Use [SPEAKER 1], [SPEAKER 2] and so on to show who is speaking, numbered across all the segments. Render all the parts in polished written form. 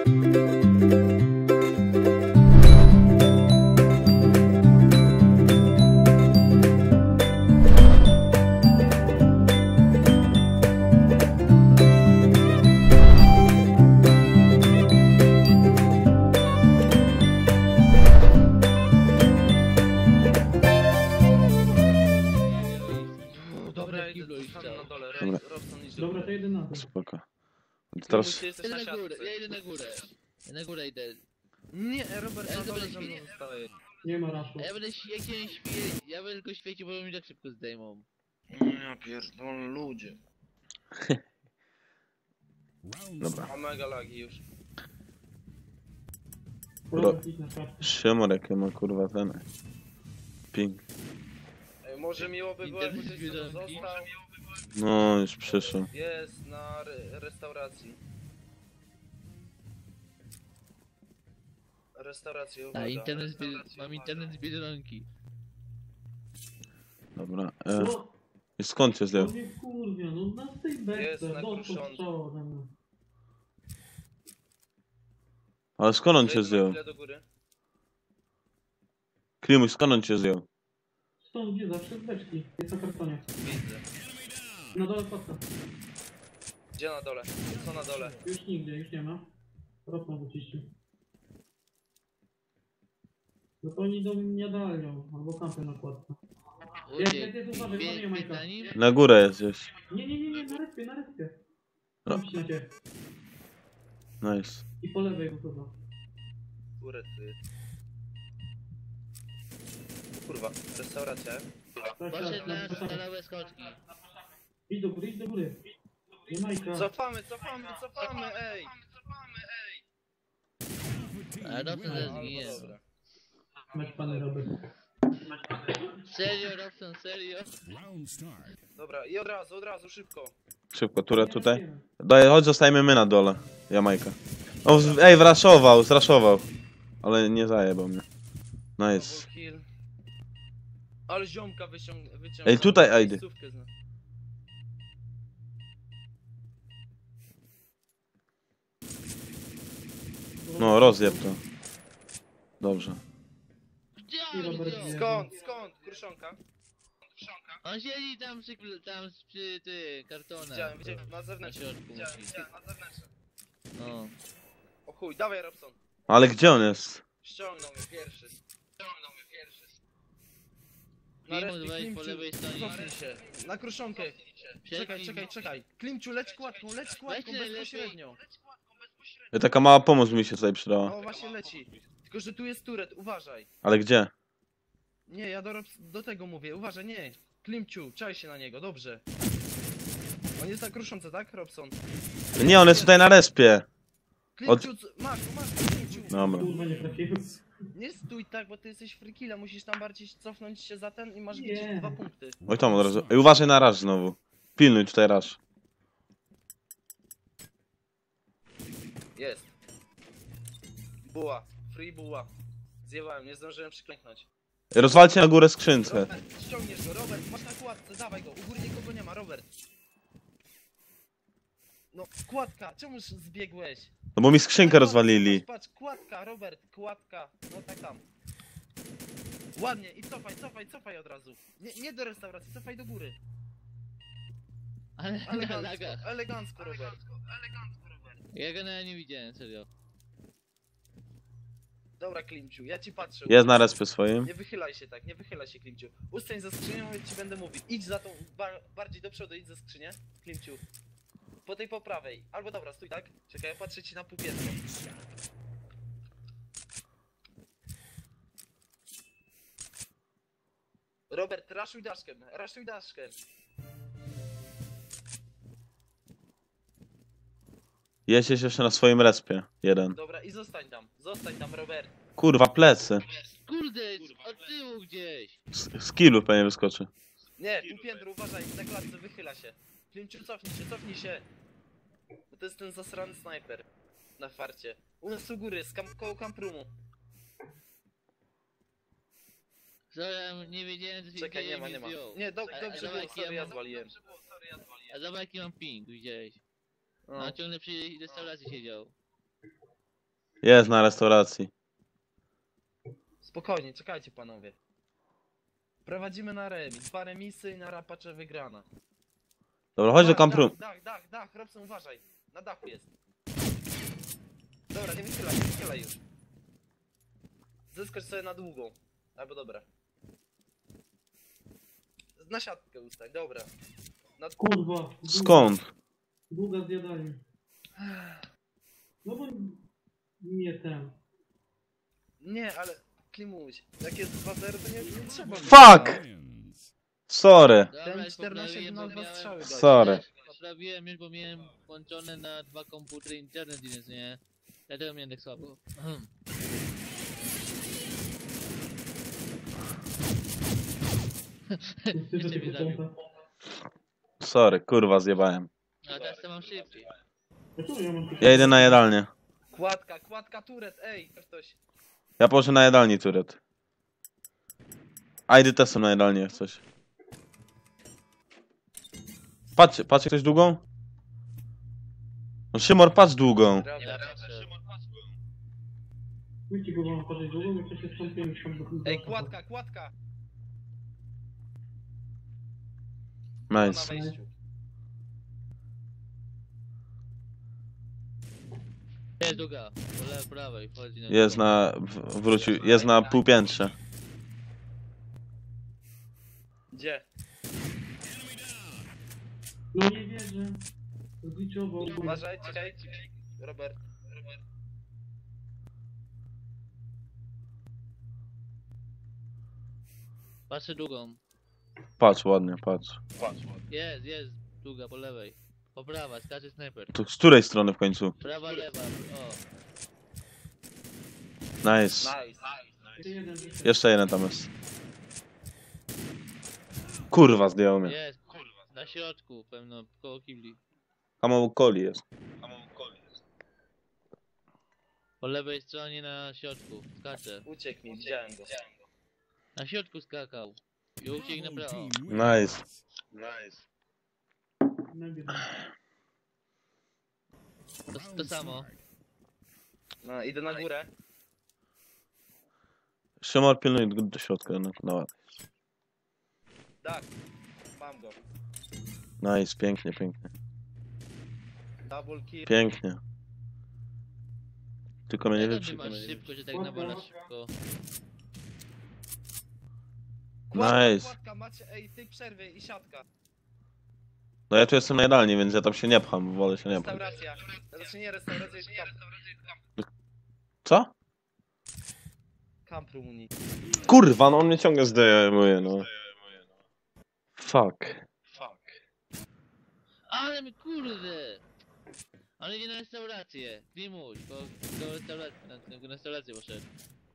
[SPEAKER 1] Dobra, idę na dole.
[SPEAKER 2] Dobra.
[SPEAKER 1] Robson idzie.
[SPEAKER 3] Dobra, to jeden na to.
[SPEAKER 2] Spoko. Teraz
[SPEAKER 1] Jesteś
[SPEAKER 4] Idę
[SPEAKER 1] na
[SPEAKER 4] na górę,
[SPEAKER 1] siatce.
[SPEAKER 4] ja idę na górę. Ja na górę idę.
[SPEAKER 1] Nie, Robert,
[SPEAKER 4] Ja
[SPEAKER 1] na dole
[SPEAKER 4] będę
[SPEAKER 1] ze mną
[SPEAKER 4] śpiewał.
[SPEAKER 1] zostaje.
[SPEAKER 3] Nie ma raszu.
[SPEAKER 4] A ja będę jak jeden świeci, ja będę tylko świecił, bo mi tak szybko zdejmą.
[SPEAKER 1] Ja pierdolę, ludzie.
[SPEAKER 2] dobra.
[SPEAKER 1] A mega lagi już.
[SPEAKER 3] Robert, idź na kartę.
[SPEAKER 2] Szymorek ma kurwa ten. Ping.
[SPEAKER 1] Ej, może miło by było, jakby
[SPEAKER 4] Internet
[SPEAKER 1] ktoś tu
[SPEAKER 4] zbiorniki.
[SPEAKER 1] został.
[SPEAKER 2] No już przyszedł.
[SPEAKER 1] Jest na restauracji. Restauracja, uwaga.
[SPEAKER 4] Mam internet z Biedronki.
[SPEAKER 2] Dobra.
[SPEAKER 3] No,
[SPEAKER 2] I skąd cię zdjął?
[SPEAKER 3] to mnie kurwia, no na tej
[SPEAKER 1] Jest
[SPEAKER 3] beczce,
[SPEAKER 1] na
[SPEAKER 3] dostał
[SPEAKER 1] kruszący.
[SPEAKER 3] strzała ode mnie.
[SPEAKER 2] Ale skąd on cię
[SPEAKER 1] Zejdźmy
[SPEAKER 2] zdjął?
[SPEAKER 1] chwilę do góry.
[SPEAKER 2] Klimuś, skąd on cię zdjął?
[SPEAKER 3] Stąd gdzie zawsze z beczki, jest na kartonie.
[SPEAKER 1] Widzę.
[SPEAKER 3] Na dole patka.
[SPEAKER 1] Gdzie na dole? Co na dole?
[SPEAKER 3] Już nigdzie, już nie ma. Ropną wyczyścił. No to oni do mnie dalią, albo kampę na kładce.
[SPEAKER 4] Uciekł.
[SPEAKER 3] uważaj,
[SPEAKER 4] Biegnie
[SPEAKER 3] Majka.
[SPEAKER 4] za nim.
[SPEAKER 2] Na górę jest gdzieś.
[SPEAKER 3] Nie, na respie, na respie.
[SPEAKER 2] No.
[SPEAKER 3] Tam na ciebie.
[SPEAKER 2] Nice.
[SPEAKER 3] I po lewej go chyba.
[SPEAKER 1] Górę tu jest. Kurwa, restauracja.
[SPEAKER 4] Poszedł na
[SPEAKER 3] tak.
[SPEAKER 4] stalowe skoczki.
[SPEAKER 3] Idź do góry, idź do góry. Nie Majka.
[SPEAKER 1] Cofamy, ej!
[SPEAKER 4] A Robson zaraz zginie.
[SPEAKER 1] Albo dobra.
[SPEAKER 3] Mać pany Robert.
[SPEAKER 4] Serio, Robson, serio?
[SPEAKER 1] Dobra, i od razu, szybko.
[SPEAKER 2] Szybko, turę tutaj. Daj, chodź, zostajemy my na dole. Jamajka. O, ej, zraszował. Ale nie zajebał mnie. Nice.
[SPEAKER 1] Double kill. Ale ziomka wyciągnął.
[SPEAKER 2] Ej, tutaj, Ajdy. No, rozjeb to. Dobrze.
[SPEAKER 4] Gdzie
[SPEAKER 3] I
[SPEAKER 4] on
[SPEAKER 3] Robert
[SPEAKER 4] wziął?
[SPEAKER 3] wie.
[SPEAKER 1] Skąd? Kruszonka?
[SPEAKER 4] On siedzi tam przy kartonach.
[SPEAKER 1] Widziałem, na
[SPEAKER 4] Na
[SPEAKER 1] zewnątrz.
[SPEAKER 4] środku musi.
[SPEAKER 1] Na zewnątrz.
[SPEAKER 4] No.
[SPEAKER 1] O chuj, dawaj Robson.
[SPEAKER 2] Ale gdzie on jest?
[SPEAKER 1] Ściągnął mnie pierwszy.
[SPEAKER 4] Klimu wejdź po lewej stronie.
[SPEAKER 1] Cofnij się. Na kruszonkę. Czekaj. Klimciu, leć kładką,
[SPEAKER 4] Weź najlepiej.
[SPEAKER 1] bezpośrednio.
[SPEAKER 2] Taka mała pomoc mi się tutaj przydała.
[SPEAKER 1] No właśnie leci. Tylko, że tu jest turet, uważaj.
[SPEAKER 2] Ale gdzie?
[SPEAKER 1] Nie, ja do tego mówię, uważaj, nie. Klimciu, czaj się na niego, dobrze. On jest na kruszące, tak, Robson?
[SPEAKER 2] Nie, on jest tutaj na respie.
[SPEAKER 1] Klimciu, masz, Klimciu.
[SPEAKER 2] Dobra.
[SPEAKER 3] Kurwa nie trafiłem.
[SPEAKER 1] Nie stój tak, bo ty jesteś frikilla, musisz tam bardziej cofnąć się za ten i masz
[SPEAKER 3] Nie.
[SPEAKER 1] gdzieś 2 punkty.
[SPEAKER 2] Oj tam od razu. Ej, uważaj na raż znowu. Pilnuj tutaj raż.
[SPEAKER 1] Jest. Buła, free buła. Zjewałem, nie zdążyłem przyklęknąć.
[SPEAKER 2] Rozwalcie na górę skrzynkę.
[SPEAKER 1] Robert, ściągniesz go, Robert, masz na kładce, dawaj go, u góry nikogo nie ma, Robert. No, kładka, czemuż zbiegłeś?
[SPEAKER 2] No bo mi skrzynkę rozwalili.
[SPEAKER 1] Patrz, kładka, Robert, kładka, no tak tam. Ładnie, i cofaj od razu. Nie do restauracji, cofaj do góry.
[SPEAKER 4] Ale na lagach.
[SPEAKER 1] Elegancko, Robert.
[SPEAKER 4] Ja go nawet nie widziałem, serio.
[SPEAKER 1] Dobra, Klimciu, ja ci patrzę.
[SPEAKER 2] Jest na respie swoim.
[SPEAKER 1] Nie wychylaj się tak, nie wychylaj się, Klimciu. Ustań za skrzynią, ja ci będę mówił. Idź za tą, bardziej do przodu, idź za skrzynię, Klimciu. Po tej po prawej. Albo dobra, stój tak. Czekaj, ja patrzę ci na półpiętro. Robert, raszuj daszkiem.
[SPEAKER 2] Jest jeszcze na swoim respie. Jeden.
[SPEAKER 1] Dobra, i zostań tam, Robert.
[SPEAKER 2] Kurwa, plecy.
[SPEAKER 4] Kurde, od tyłu gdzieś.
[SPEAKER 2] Z killu pewnie wyskoczy.
[SPEAKER 1] Nie, półpiętro, uważaj, na klatce wychyla się. Klimciu, cofnij się. Bo to jest ten zasrany snajper. Na farcie. U nas u góry, koło kamprumu.
[SPEAKER 4] Sorry, nie wiedziałem, co się
[SPEAKER 1] Czekaj,
[SPEAKER 4] dzieje,
[SPEAKER 1] nie ma.
[SPEAKER 4] zdjął.
[SPEAKER 1] Nie, dobrze było,
[SPEAKER 4] jaki
[SPEAKER 1] sorry, ja
[SPEAKER 4] mam-
[SPEAKER 1] zwaliłem.
[SPEAKER 4] A zobacz jaki mam ping, widziałeś.
[SPEAKER 1] No.
[SPEAKER 4] No ciągle przy restauracji siedział.
[SPEAKER 2] Jest na restauracji.
[SPEAKER 1] Spokojnie, czekajcie panowie. Prowadzimy na remis. 2 remisy i na rapacze wygrana.
[SPEAKER 2] Dobra, chodź do kampru.
[SPEAKER 1] Dach, Robson, uważaj. Na dachu jest. Dobra, nie wychylaj już. Zyskocz sobie na długą. Albo dobra. Na siatkę ustań, dobra.
[SPEAKER 3] Kurwa.
[SPEAKER 2] Skąd?
[SPEAKER 3] Długa zjadalnia. No bo nie ten.
[SPEAKER 1] Nie, ale Klimuś, jak jest 2-0 to nie trzeba.
[SPEAKER 2] Fuck! Sorry.
[SPEAKER 4] Dobra,
[SPEAKER 1] Ten
[SPEAKER 4] już
[SPEAKER 1] 14
[SPEAKER 4] poprawiłem,
[SPEAKER 1] na
[SPEAKER 4] bo
[SPEAKER 1] 2
[SPEAKER 4] miałem-
[SPEAKER 1] strzały gość.
[SPEAKER 2] Sorry.
[SPEAKER 4] Poprawiłem już, bo miałem włączone na 2 komputery internet, więc nie. Dlatego miałem tak słabo.
[SPEAKER 3] Ty, że
[SPEAKER 4] Jeszcze
[SPEAKER 3] ty
[SPEAKER 4] mnie zabił.
[SPEAKER 3] począta.
[SPEAKER 2] Sorry, kurwa, zjebałem.
[SPEAKER 4] A teraz to mam szybciej.
[SPEAKER 3] Dlaczego ja mam
[SPEAKER 2] Ja idę na jadalnię.
[SPEAKER 1] Kładka turet, ej, ktoś.
[SPEAKER 2] Ja położę na jadalni turet. ID też są na jadalni jak coś. Patrz ktoś długą? No Szymor, patrz długą.
[SPEAKER 1] Dobra,
[SPEAKER 4] Ja patrzę.
[SPEAKER 3] Pójdźcie go wam patrzeć długo, bo to się wstąpiłem tam do
[SPEAKER 1] Ej, kładka. Na
[SPEAKER 2] Nice.
[SPEAKER 1] wejściu.
[SPEAKER 4] Jest długa. Po lewej, prawej. Wchodzi na
[SPEAKER 2] Jest na... wrócił. Jest na półpiętrze.
[SPEAKER 1] Gdzie?
[SPEAKER 3] No nie wierzę. Zliczował.
[SPEAKER 1] Uważaj, czekaj. Robert.
[SPEAKER 4] Patrzę długą.
[SPEAKER 2] Patrz, ładnie, patrz.
[SPEAKER 4] Jest długa po lewej. Po prawa, skacze snajper.
[SPEAKER 2] To z której strony w końcu?
[SPEAKER 4] Prawa, lewa. O.
[SPEAKER 2] Nice. Jeszcze jeden tam jest. Kurwa, zdjął mnie.
[SPEAKER 4] Jest. Na środku, pewno, koło kibli.
[SPEAKER 2] Hamowu coli jest.
[SPEAKER 4] Po lewej stronie na środku. Skacze.
[SPEAKER 1] Uciekł mi, widziałem go.
[SPEAKER 4] Na środku skakał. I uciekł na prawo.
[SPEAKER 2] Nice.
[SPEAKER 4] To samo.
[SPEAKER 1] No, idę na górę.
[SPEAKER 2] Szymor, pilnuj do środka. No, no.
[SPEAKER 1] Tak. Mam go.
[SPEAKER 2] Nice, pięknie, pięknie.
[SPEAKER 1] Double kill.
[SPEAKER 2] Pięknie. Tylko mnie nie
[SPEAKER 4] Jak ty
[SPEAKER 2] wyprzy.
[SPEAKER 4] masz szybko, że tak nawalasz szybko.
[SPEAKER 2] Nice.
[SPEAKER 1] Kładka, macie, ej, tej przerwy i siatka.
[SPEAKER 2] No ja tu jestem na jadalni, więc ja tam się nie pcham. Wolę się nie pchać.
[SPEAKER 1] Restauracja. Znaczy nie restauracja, jest kamp.
[SPEAKER 2] Co?
[SPEAKER 1] Kamp Rumunii.
[SPEAKER 2] Kurwa, no on mnie ciągle zdejmuje, no. Fuck.
[SPEAKER 4] Ale mi kurde! Ale idzie na restaurację. Klimuś, bo do restauracji, na restaurację poszedł.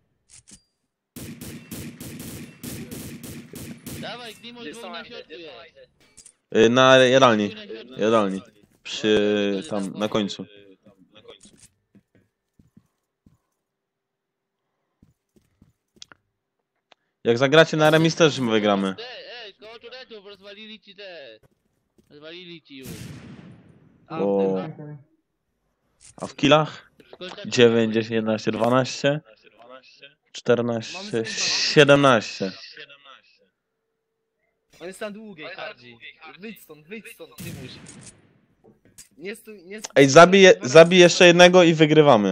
[SPEAKER 4] Dawaj, Klimuś,
[SPEAKER 1] Gdzie
[SPEAKER 4] dwóch
[SPEAKER 1] są
[SPEAKER 4] na
[SPEAKER 1] Andy?
[SPEAKER 4] środku
[SPEAKER 1] Gdzie są
[SPEAKER 4] jest.
[SPEAKER 1] Andy?
[SPEAKER 2] Na jadalni.
[SPEAKER 4] Dwóch na środku.
[SPEAKER 2] Jadalni. Przy... tam, na końcu. Jak zagracie na remis też my wygramy.
[SPEAKER 4] Ej, koło turetów rozwalili ci te. Rozwalili ci już.
[SPEAKER 2] O. A w killach? 9, 10, 11, 12, 14, 17.
[SPEAKER 1] On jest na długiej, Hardzi. Wyjdź stąd, Klimuś. Nie stój, nie stój.
[SPEAKER 2] Ej, zabij jeszcze jednego i wygrywamy.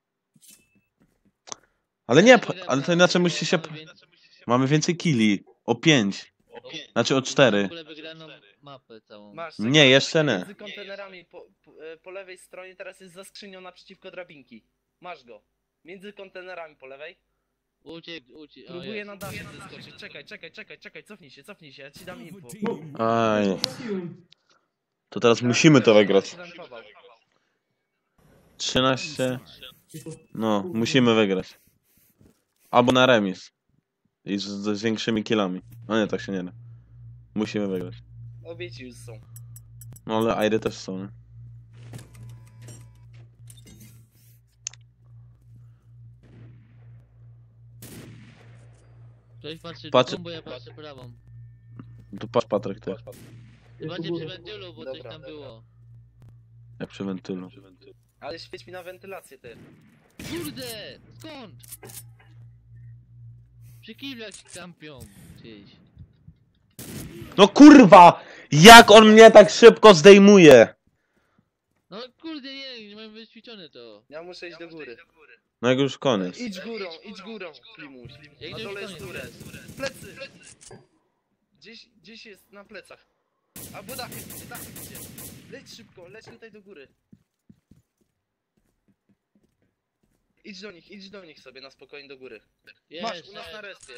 [SPEAKER 2] Ale nie, ale to inaczej musi się... Mamy więcej killi. O 5. Znaczy o 4.
[SPEAKER 4] W ogóle wygraną mapę całą.
[SPEAKER 1] Masz,
[SPEAKER 2] Nie, jeszcze nie.
[SPEAKER 1] między kontenerami po lewej stronie teraz jest za skrzynią naprzeciwko drabinki. Masz go. Między kontenerami po lewej.
[SPEAKER 4] Uciekł.
[SPEAKER 1] Próbuję na dasze zeskoczyć. Czekaj, cofnij się, ja ci dam info.
[SPEAKER 2] Aj. To teraz musimy to wygrać. 13. No, musimy wygrać. Albo na remis. I z większymi killami. No nie, tak się nie da. Musimy wygrać.
[SPEAKER 1] Obie ci już są.
[SPEAKER 2] No ale Airy też są, nie?
[SPEAKER 4] Ktoś patrzy
[SPEAKER 2] Patrzy-
[SPEAKER 4] drugą, bo ja patrzę prawą.
[SPEAKER 2] Tu patrz Patryk, ty.
[SPEAKER 4] Zobaczcie przy wentylu, bo coś
[SPEAKER 1] Dobra.
[SPEAKER 4] tam było.
[SPEAKER 2] Jak przy wentylu.
[SPEAKER 1] Ale świeć mi na wentylację, ty.
[SPEAKER 4] kurde! Skąd? Przy kiblach się kampią gdzieś.
[SPEAKER 2] No kurwa! Jak on mnie tak szybko zdejmuje?
[SPEAKER 4] No kurde, nie mam wyćwiczone to.
[SPEAKER 1] Ja muszę iść do góry.
[SPEAKER 2] No jak już koniec.
[SPEAKER 1] Idź górą, Klimuś.
[SPEAKER 4] Jak
[SPEAKER 1] Na
[SPEAKER 4] to
[SPEAKER 1] dole
[SPEAKER 4] już
[SPEAKER 1] jest
[SPEAKER 4] koniec?
[SPEAKER 1] turę. Plecy! Gdzieś jest na plecach. Albo dachy idzie. Leć szybko, leć tutaj do góry. Idź do nich sobie na spokojnie do góry. Masz,
[SPEAKER 4] Jest,
[SPEAKER 1] u nas na respie.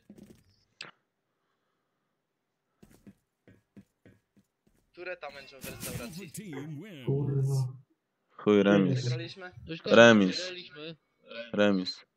[SPEAKER 1] Tureta męczą w restauracji.
[SPEAKER 3] Kurwa.
[SPEAKER 2] Chuj, remis.
[SPEAKER 1] Wygraliśmy?
[SPEAKER 4] Już koniec,
[SPEAKER 2] Remis.
[SPEAKER 4] wygraliśmy.
[SPEAKER 2] Remis.